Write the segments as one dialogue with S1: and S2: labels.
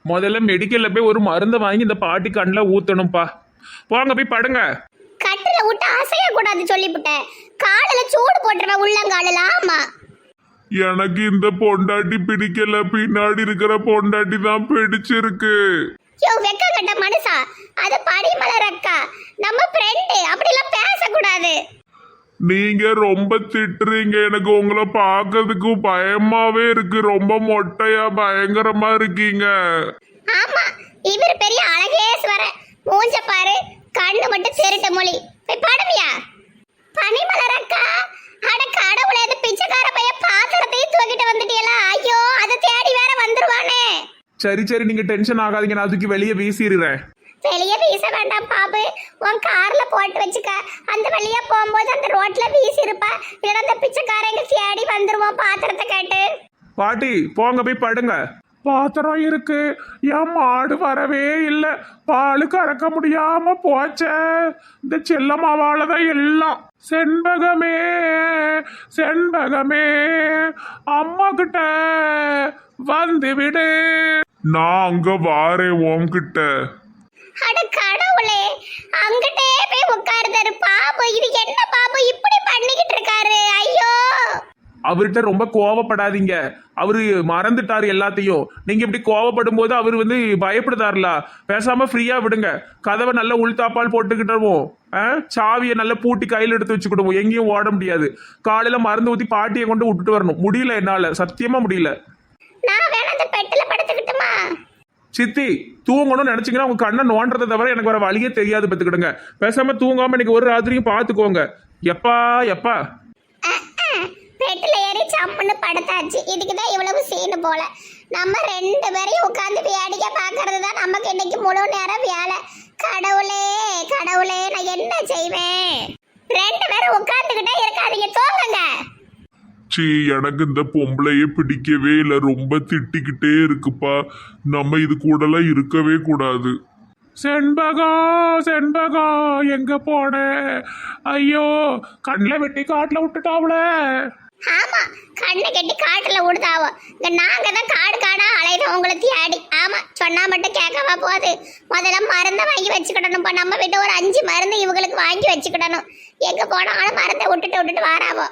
S1: முதல்ல மெடிக்கல்ல போய் ஒரு மருந்தை வாங்கி இந்த பாட்டி கண்ணில் ஊத்தணும்ப்பா. போங்க போய் படுங்க.
S2: கட்டில விட்டு அசைய கூடாது சொல்லிவிட்டேன். காலில சூடு போட்டுருவேன் உள்ளங்காலில. ஆமா,
S3: எனக்கு இந்த பொண்டாட்டி பிடிக்கல, பின்னாடி இருக்கிற பொண்டாட்டி தான் பிடிச்சிருக்கு.
S2: யோ வெக்க கட்ட மனுஷா, அது பனிமலர் அக்கா, நம்ம ஃப்ரெண்டு. அப்படிலாம் பேசக்கூடாது.
S3: நீங்க ரொம்ப திட்டுறீங்க, எனக்கு உங்களை பார்க்கறதுக்கு பயமாவே இருக்கு. ரொம்ப மொட்டையா பயங்கரமா இருக்கீங்க.
S2: ஆமா, இவர் பெரிய அழகேஸ்வரன். மூஞ்ச பாரு, கண்ணு மட்டும் திருட்டு மொழி. போய் படுவியா? பனிமலர் அக்கா, அட கடவுளே, அந்த பிச்சைக்கார பையன் பாத்திரத்தையும் தூக்கிட்டு வந்துட்டீங்களா? ஐயோ, அதை தேடி வேற வந்துருவானே.
S1: சரி சரி, நீங்க டென்ஷன் ஆகாதீங்க, நான் அதுக்கு வெளியே வீசிடுறேன்.
S2: வெளியே வீச வேண்டாம் பாபு, உன் கார்ல போட்டு வச்சுக்க. அந்த வழியா போகும்போது அந்த ரோட்ல வீசி இருப்பா. இல்லைன்னா அந்த பிச்சைக்காரங்க தேடி வந்துருவோம் பாத்திரத்தை கேட்டு.
S1: பாட்டி போங்க போய் படுங்க. பாத்திரம் இருக்கு, என் மாடு வரவே இல்லை, பால் கறக்க முடியாம போச்ச. இந்த செல்லம்மாவாலதான் எல்லாம். செண்பகமே செண்பகமே, அம்மா கிட்ட வந்து விடு.
S3: நான் அங்க வாரேன் உன்கிட்ட.
S2: அட கடவுளே, அங்கிட்டே போய் உட்கார்ந்தாரு பாபு. இது என்ன பாபு இப்படி பண்ணிக்கிட்டு இருக்காரு? ஐயோ,
S1: அவர்கிட்ட ரொம்ப கோவப்படாதீங்க, அவரு மறந்துட்டாரு எல்லாத்தையும். நீங்க இப்படி கோவப்படும் போது அவர் பயப்படுதாருல. பேசாம ஃப்ரீயா விடுங்க, கதவை நல்ல உள்தாப்பால் போட்டுக்கிட்டோம், சாவியை நல்லா பூட்டி கையில் எடுத்து வச்சுக்கிடுவோம். எங்கேயும் ஓட முடியாது. காலையில மருந்து ஊத்தி பாட்டியை கொண்டு விட்டுட்டு வரணும். முடியல, என்னால சத்தியமா முடியல.
S2: நான் வேணா அந்த பெட்டில படுத்துக்கிட்டுமா?
S1: சித்தி தூங்கணும்னு நினைச்சீங்கன்னா உங்க கண்ணை நோன்றதை தவிர எனக்கு வர வழியே தெரியாது. பத்துக்கிடுங்க, பேசாம தூங்காம இன்னைக்கு ஒரு ராத்திரியும் பாத்துக்கோங்க. எப்பா எப்பா
S2: பெட்டில ஏறி சம்முன்னு படுத்தாச்சு. இதுக்குதான் இவ்வளவு சீனு போல. நம்ம ரெண்டு பேரையும் உட்கார்ந்து வேடிக்கை பாக்குறது தான் நமக்கு இன்னைக்கு முழு நேரம் வேலை. கடவுளே கடவுளே, நான் என்ன செய்வேன்? ரெண்டு பேரும் உட்கார்ந்துகிட்டே இருக்காதீங்க, தூங்குங்க.
S3: சீ, எனக்கு இந்த பொம்பளையே பிடிக்கவே இல்லை, ரொம்ப திட்டிக்கிட்டே இருக்குப்பா. நம்ம இது கூடலாம் இருக்கவே கூடாது.
S1: செண்பகம் செண்பகம் எங்க போன? ஐயோ, கண்ணில் வெட்டி காட்டுல விட்டுட்டாவுல.
S2: ஆமா, கண்ணை கட்டி காட்டுல விடுதாவோ. இங்க நாங்க தான் காடு காடா அலையிறோம் உங்களை தேடி. ஆமா, சொன்னா மட்டும் கேட்கவா போகுது? முதல்ல மருந்தை வாங்கி வச்சுக்கிடணும்ப்பா. நம்ம வீட்டு ஒரு 5 மருந்து இவங்களுக்கு வாங்கி வச்சுக்கிடணும். எங்க போனாலும் மருந்தை விட்டுட்டு வாராவோ.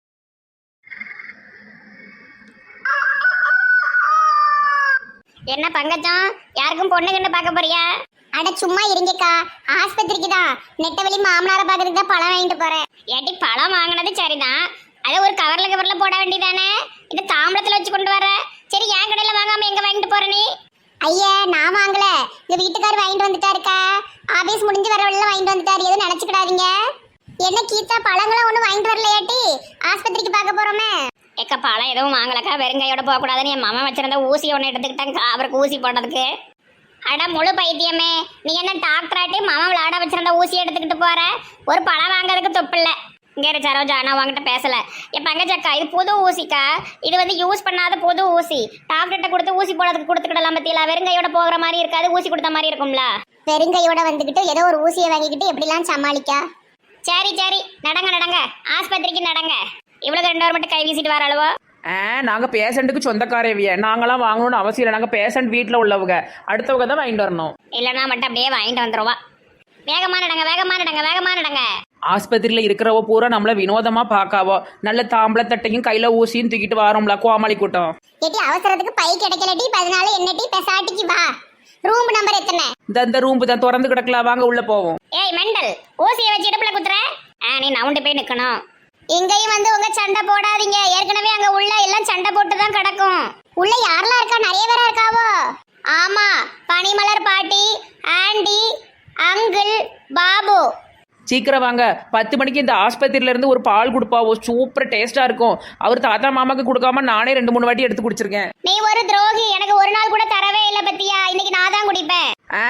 S2: என்ன பங்கஜம், யாருக்கும் பொண்ணு கண்டு பார்க்க போறியா? அட சும்மா இருங்கக்கா, ஆஸ்பத்திரிக்கு தான். நெட்டவெளி மாமனாரை பார்க்கறதுக்கு தான் பழம் வாங்கிட்டு போறேன். ஏட்டி, பழம் வாங்கினது சரிதான், அதை ஒரு கவர்ல போட வேண்டியதானே? இது தாம்பளத்துல வச்சு கொண்டு வர. சரி, என் கடையில வாங்காம எங்க வாங்கிட்டு போற நீ? ஐயா, நான் வாங்கல, இந்த வீட்டுக்காரர் வாங்கிட்டு வந்துட்டாருக்கா. ஆபீஸ் முடிஞ்சு வர வழியில வாங்கிட்டு வந்துட்டாரு, எதுவும் நினைச்சுக்கிடாதீங்க. என்ன கீதா, பழங்களும் ஒன்றும் வாங்கிட்டு வரலையாட்டி? ஆஸ்பத்திரிக்கு பார்க்க போறோமே. எக்க, பழம் எதுவும் வாங்கலக்கா, வெறுங்கையோட போகக்கூடாதுன்னு என் மாமா வச்சிருந்த ஊசி ஒன்று எடுத்துக்கிட்டாங்க அவருக்கு ஊசி போடுறதுக்கு. அட முழு பைத்தியமே, நீ என்ன டாக்டராட்டி மாமா விளையாட வச்சிருந்த ஊசி எடுத்துக்கிட்டு போற? ஒரு பழம் வாங்குறதுக்கு தொப்பில்ல. இங்கே சரோஜா, நான் உங்ககிட்ட பேசல. என் பங்கச்சக்கா, இது புது ஊசிக்கா. இது யூஸ் பண்ணாத புது ஊசி. டாக்டர்கிட்ட கொடுத்து ஊசி போடுறதுக்கு கொடுத்துக்கிடலாம் பத்தியில. வெறுங்கையோட போகிற மாதிரி இருக்காது, ஊசி கொடுத்த மாதிரி இருக்கும்ல. வெறுங்கையோட வந்துக்கிட்டு ஏதோ ஒரு ஊசியை வாங்கிக்கிட்டு எப்படிலாம் சமாளிக்கா? சரி சரி, நடங்க ஆஸ்பத்திரிக்கு நடங்க. இவ்வளவு 2 வாரம் மட்டும் கை வீசிட்டு வர அளவோ?
S4: நாங்கள் பேஷண்ட்டுக்கு சொந்தக்காரவிய, நாங்களாம் வாங்கணும்னு அவசியம் இல்லை. நாங்கள் பேஷண்ட் வீட்டில் உள்ளவங்க, அடுத்தவங்க தான் வாங்கிட்டு வரணும்.
S2: இல்லைன்னா மட்டும் அப்படியே வாங்கிட்டு வந்துடுவா. வேகமா நடங்க.
S4: ஆஸ்பத்திரியில் இருக்கிறவ பூரா நம்மள வினோதமாக பார்க்காவோ. நல்ல தாம்பளத்தட்டையும் கையில் ஊசியும் தூக்கிட்டு வரோம்ல, கோமாளி கூட்டம்.
S2: ஏட்டி, அவசரத்துக்கு பை கிடைக்கலட்டி, 14 என்னட்டி பெசாட்டிக்கு வா. ரூம் நம்பர் எத்தனை?
S4: இந்த ரூம்பு தான் திறந்து கிடக்கலாம், வாங்க உள்ள போவோம்.
S2: ஏய் மெண்டல், ஊசியை வச்சு இடுப்புல குத்துற. நீ நவுண்டு போய் நிக்கணும். இங்கேயும் உங்க சண்டை போடாதீங்க. ஏற்கனவே அங்க உள்ள எல்லாம் சண்டை போட்டு தான் கிடக்கும். உள்ள யாரெல்லாம் இருக்கா? நிறைய பேரா இருக்காவோ? ஆமா, பனிமலர் பாட்டி, ஆண்டி, அங்கிள், பாபு.
S4: சீக்கிரம் வாங்க, 10 மணிக்கு இந்த ஆஸ்பத்திரியில இருந்து ஒரு பால் கொடுப்பாவோ, சூப்பர் டேஸ்டா இருக்கும். அவர் தாத்தா மாமாக்கு கொடுக்காம நானே 2-3 வாட்டி எடுத்து குடிச்சிருக்கேன்.
S2: நீ ஒரு துரோகி, எனக்கு ஒரு நாள் கூட தரவே இல்லை பத்தியா. இன்னைக்கு நான் தான் குடிப்பேன்.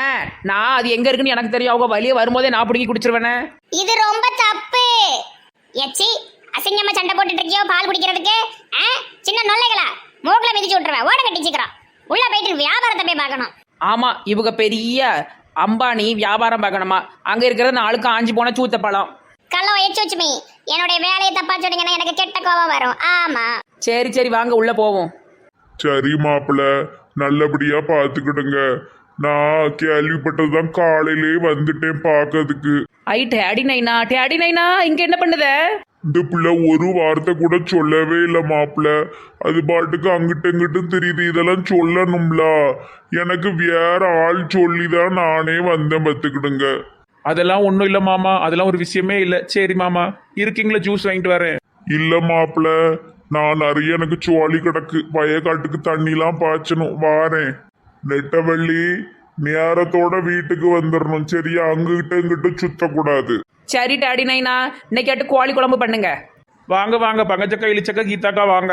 S4: நான் அது எங்க இருக்குன்னு எனக்கு தெரியும். அவங்க வழியே வரும்போதே நான் பிடிங்கி குடிச்சிருவேனே.
S2: இது ரொம்ப தப்பு. எச்சி, அசிங்கமா சண்டை போட்டுட்டு இருக்கியோ பால் குடிக்கிறதுக்கு? சின்ன நொல்லைகளா, மூக்குல மிதிச்சு விட்டுருவேன். ஓட கட்டி சீக்கிரம் உள்ள போயிட்டு வியாபாரத்தை போய் பார்க்கணும்.
S4: ஆமா, இவங்க பெரிய அம்பானி, வியாபாரம் பார்க்கணுமா? அங்க இருக்கிறது 4 காஞ்சி போன சூத்த பழம்.
S2: கள்ளம் எச்சுமே, என்னுடைய வேலையை தப்பா சொன்னீங்கன்னா எனக்கு கெட்ட கோபம் வரும். ஆமா,
S4: சரி வாங்க உள்ள போவோம்.
S3: சரி மாப்பிள்ள, நல்லபடியா பாத்துக்கிடுங்க. நான் கேள்விப்பட்டதுதான், காலையிலே வந்துட்டேன் பார்க்கறதுக்கு.
S4: ஐ டேடி நைனா இங்க என்ன பண்ணுத?
S3: இந்த பிள்ளை ஒரு வார்த்தை கூட சொல்லவே இல்லை மாப்பிள்ள. அது பாட்டுக்கு அங்கிட்டு இங்கிட்டு தெரியுது. இதெல்லாம் சொல்லணும்ல. எனக்கு வேற ஆள் சொல்லிதான் நானே வந்தேன், பத்துக்கிடுங்க.
S1: அதெல்லாம் ஒன்றும் இல்லை மாமா, அதெல்லாம் ஒரு விஷயமே இல்லை. சரி மாமா, இருக்கீங்களா? ஜூஸ் வாங்கிட்டு வரேன்.
S3: இல்ல மாப்பிள்ள, நான் நிறைய எனக்கு சோழி கிடக்கு. வயக்காட்டுக்கு தண்ணிலாம் பாய்ச்சணும், வாரேன். நெட்டவள்ளி, நேரத்தோட வீட்டுக்கு வந்துடணும், சரியா? அங்கிட்ட இங்கிட்ட சுத்தக்கூடாது.
S4: சரி டேடி நைனா, இன்னைக்கு கோழி குழம்பு பண்ணுங்க.
S1: வாங்க வாங்க, பங்கச்சக்கா இளிச்சக்கா கீதாக்கா வாங்க.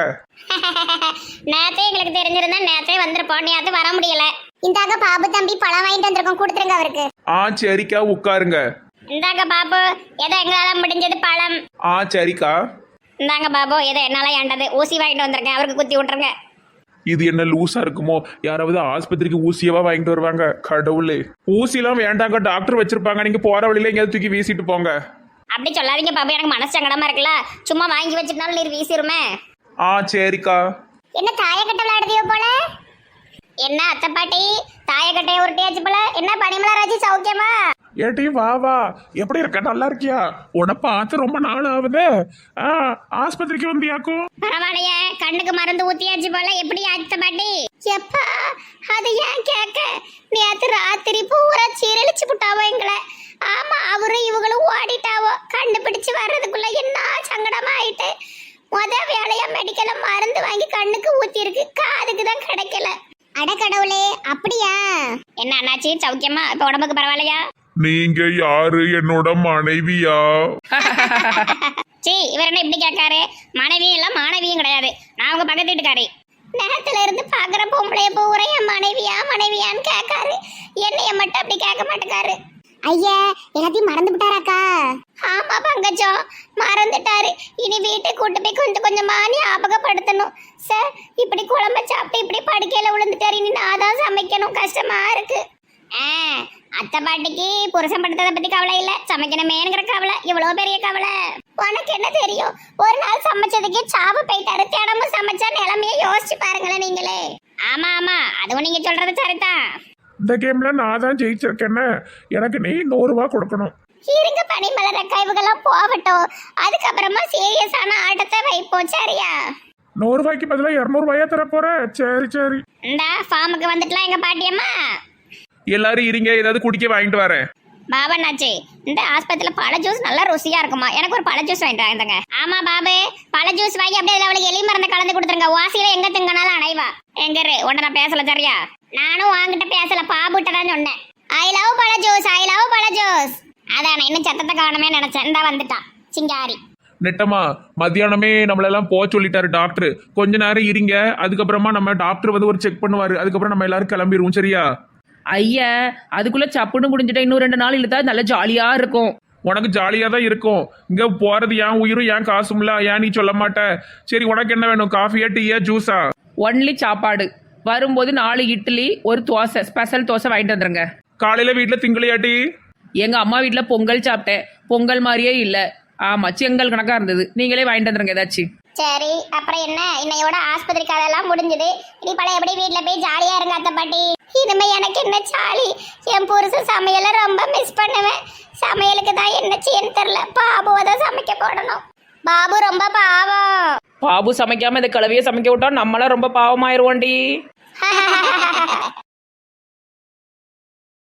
S2: நேத்தே எங்களுக்கு தெரிஞ்சிருந்தா நேத்தே வந்திருப்போம். நீ அது வர முடியல. இந்தாங்க பாபு தம்பி, பழம் வாங்கிட்டு வந்திருக்கோம், கொடுத்துருங்க அவருக்கு.
S1: சரிக்கா, உட்காருங்க.
S2: இந்தாங்க பாபு, ஏதோ எங்களால முடிஞ்சது பழம்.
S1: சரிக்கா.
S2: இந்தாங்க பாபு, ஏதோ என்னால ஏண்டது ஊசி வாங்கிட்டு வந்திருக்கேன், அவருக்கு குத்தி விட்டுருங்க.
S1: இது என்ன லூசா இருக்குமோ? யாராவது ஆஸ்பத்திரிக்கு ஊசியவா வாங்கிட்டு வருவாங்க? கடவுளே, ஊசிலாம் வேண்டாங்க, டாக்டர் வச்சிருப்பாங்க. நீங்க போற வழியில எங்கேயாவது தூக்கி வீசிட்டு போங்க.
S2: அப்படி சொல்லாதீங்க பாபு, எனக்கு மனசு சங்கடமா இருக்குல்ல. சும்மா வாங்கி வச்சிருந்தாலும் நீர் வீசிருமே.
S1: சரிக்கா.
S2: என்ன தாயக்கட்டை விளையாடுதியோ போல? என்ன அத்தை பாட்டி, தாயக்கட்டையை உருட்டியாச்சு போல. என்ன பனிமலராஜி, சௌக்கியமா?
S1: ஏட்டி வா வா, எப்படி இருக்க? நல்லா இருக்கியா? உன்னை பார்த்து ரொம்ப நாள் ஆகுது. ஆஸ்பத்திரிக்கு வந்தியாக்கும்?
S2: பரவாயில்லையே, கண்ணுக்கு மருந்து ஊத்தியாச்சு போல. எப்படி அத்தை பாட்டி? எப்பா, அது ஏன் கேட்க? நேத்து ராத்திரி பூரா சீரழிச்சு விட்டாவோ எங்களை. ஆமா, அவரும் இவங்களும் ஓடிட்டாவோ. கண்டுபிடிச்சு வர்றதுக்குள்ள என்ன சங்கடமா ஆயிட்டு. வேலையா மெடிக்கல்ல மருந்து வாங்கி கண்ணுக்கு ஊத்தி இருக்கு, காதுக்கு தான் கிடைக்கல. அடக்கடவுளே, அப்படியா? என்ன அண்ணாச்சி, சௌக்கியமா? இப்ப உடம்புக்கு பரவாயில்லையா?
S3: நீங்க யாரு? என்னோட மனைவியா?
S2: சீ, இவர் என்ன இப்படி கேட்காரு? மனைவியும் இல்ல மாணவியும் கிடையாது, நான் உங்க பக்கத்து வீட்டுக்காரி. நேரத்துல இருந்து பாக்குற பொம்பளைய பூரா என் மனைவியா மனைவியான்னு கேட்காரு. என்னைய மட்டும் அப்படி கேட்க மாட்டேக்காரு. ஐயா, எல்லாத்தையும் மறந்து விட்டாராக்கா? ஆமா பங்கஜம், மறந்துட்டாரு. இனி வீட்டை கூட்டு போய் கொஞ்சம் கொஞ்சமா ஞாபகப்படுத்தணும். சார், இப்படி குழம்ப சாப்பிட்டு இப்படி படுக்கையில விழுந்துட்டாரு. இனி நான் தான் சமைக்கணும், கஷ்டமா இருக்கு. அத்தை பாட்டிக்கு புருஷன் படுத்ததை பத்தி கவலை இல்ல, சமைக்கணுமேங்கிற கவலை. இவ்வளவு பெரிய கவலை. உனக்கு என்ன தெரியும்? ஒரு நாள் சமைச்சதுக்கே சாவு போயிட்டாரு. தினமும் சமைச்சா நிலைமைய யோசிச்சு பாருங்களேன் நீங்களே. ஆமா ஆமா, அதுவும் நீங்க சொல்றது சரிதான்.
S1: இந்த கேம்ல நான் தான் ஜெயிச்சிருக்கேன்னு எனக்கு நீ 100 ரூபா கொடுக்கணும்.
S2: இருங்க பனிமலர் அக்கா, இவங்கெல்லாம் போகட்டும். அதுக்கப்புறமா சீரியஸான ஆட்டத்தை வைப்போம், சரியா?
S1: 100 ரூபாய்க்கு பதிலாக 200 ரூபாயா தர போற? சரி சரி.
S2: இந்த ஃபார்முக்கு வந்துட்டலாம் எங்க பாட்டியம்மா.
S1: எல்லாரும் இருங்க, ஏதாவது குடிக்க வாங்கிட்டு வரேன்.
S2: பாபண்ணாச்சி, இந்த ஆஸ்பத்திரியில பழ ஜூஸ் நல்லா ருசியா இருக்குமா? எனக்கு ஒரு பழ ஜூஸ் வாங்கிட்டு வாங்க. ஆமா பாபு, பழ ஜூஸ் வாங்கி அப்படியே அவளுக்கு எலி மருந்து கலந்து கொடுத்துருங்க. வாசியில எங்க திங்கனாலும் அணைவா. எங்கரு உன்ன நான் பேசல, சரியா? நானும் வாங்கிட்ட பேசல, பாபுட்ட தான் சொன்னேன். ஐ லவ் பழ ஜூஸ், ஐ லவ் பழ ஜூஸ். அதான் இன்னும் சத்தத்தை காணமே நினைச்சேன். இந்த வந்துட்டான் சிங்காரி.
S1: நெட்டமா, மத்தியானமே நம்மளெல்லாம் போக சொல்லிட்டாரு டாக்டர். கொஞ்ச நேரம் இருங்க, அதுக்கப்புறமா நம்ம டாக்டர் வந்து ஒரு செக் பண்ணுவாரு. அதுக்கப்புறம் நம்ம எல்லாரும் கிளம்பிடுவோம், சரியா?
S4: ஐயா, அதுக்குள்ள சப்புன்னு முடிஞ்சிட்டா இன்னும் 2 நாள் இழுத்தா நல்ல ஜாலியா இருக்கும்.
S1: உனக்கு ஜாலியா தான் இருக்கும். இங்க போறது ஏன் உயிரும் ஏன் காசும்ல, ஏன் நீ சொல்ல மாட்ட? சரி, உனக்கு என்ன வேணும்? காஃபியா, டீயா, ஜூஸா?
S4: ஒன்லி சாப்பாடு. வரும்போது 4 இட்லி, ஒரு தோசை, ஸ்பெஷல் தோசை வாங்கிட்டு வந்துருங்க.
S1: காலையில வீட்டுல திங்களையாட்டி?
S4: எங்க அம்மா வீட்டில் பொங்கல் சாப்பிட்டேன், பொங்கல் மாதிரியே இல்லை. ஆமா, செங்கல் கணக்கா இருந்தது. நீங்களே வாங்கிட்டு வந்துருங்க ஏதாச்சும்.
S2: சரி, அப்புறம் என்ன? இன்னையோட ஆஸ்பத்திரி கதையெல்லாம் முடிஞ்சது. இனி பழைய எப்படி வீட்டுல போய் ஜாலியா இருங்க அத்தை பாட்டி. இனிமே எனக்கு என்ன ஜாலி? என் புருஷன் சமையலை ரொம்ப மிஸ் பண்ணுவேன். சமையலுக்கு தான் என்ன செய்யன்னு தெரியல. பாபுவை தான் சமைக்க போடணும். பாபு ரொம்ப பாவம்.
S4: பாபு சமைக்காம இந்த கிளவியை சமைக்க விட்டா நம்மளாம் ரொம்ப பாவமாயிருவோண்டி.